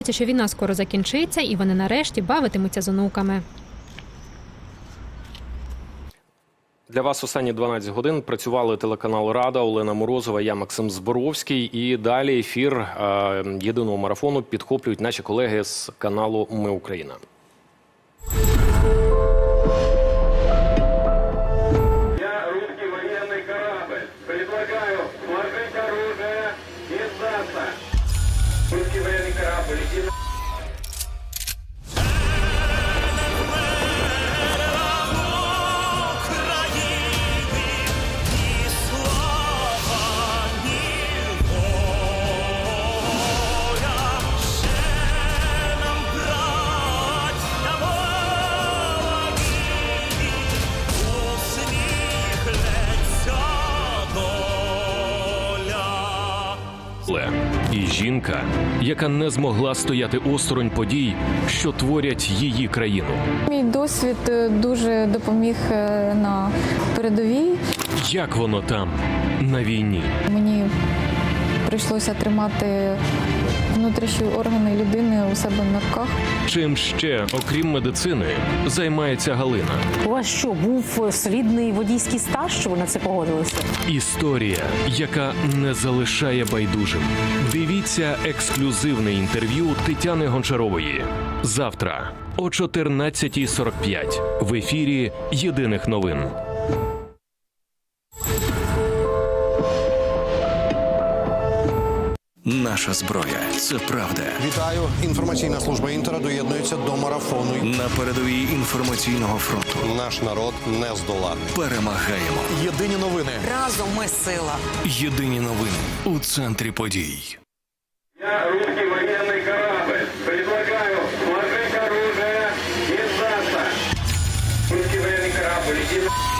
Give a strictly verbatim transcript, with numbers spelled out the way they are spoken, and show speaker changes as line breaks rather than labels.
Що війна скоро закінчиться і вони нарешті бавитимуться з онуками.
Для вас останні дванадцять годин працювали телеканал «Рада», Олена Морозова, я Максим Зборовський. І далі ефір е, єдиного марафону підхоплюють наші колеги з каналу «Ми Україна».
Я русский военный корабль. Предлагаю сложить оружие и сдаться. Русский военный корабль, иди на...
І жінка, яка не змогла стояти осторонь подій, що творять її країну.
Мій досвід дуже допоміг на передовій.
Як воно там, на війні?
Мені прийшлося тримати внутрішні органи людини у себе на руках.
Чим ще, окрім медицини, займається Галина?
У вас що, був солідний водійський стаж, що ви на це погодилися?
Історія, яка не залишає байдужим. Дивіться ексклюзивне інтерв'ю Тетяни Гончарової. Завтра о чотирнадцятій сорок п'ять в ефірі «Єдиних новин».
Наша зброя – це правда.
Вітаю. Інформаційна служба Інтера доєднується до марафону.
На передовій інформаційного фронту.
Наш народ не здолати.
Перемагаємо.
Єдині новини.
Разом ми сила.
Єдині новини у центрі подій.
Я русский военный корабль. Предлагаю сложить оружие и сдаться. Русский военный корабль, иди на...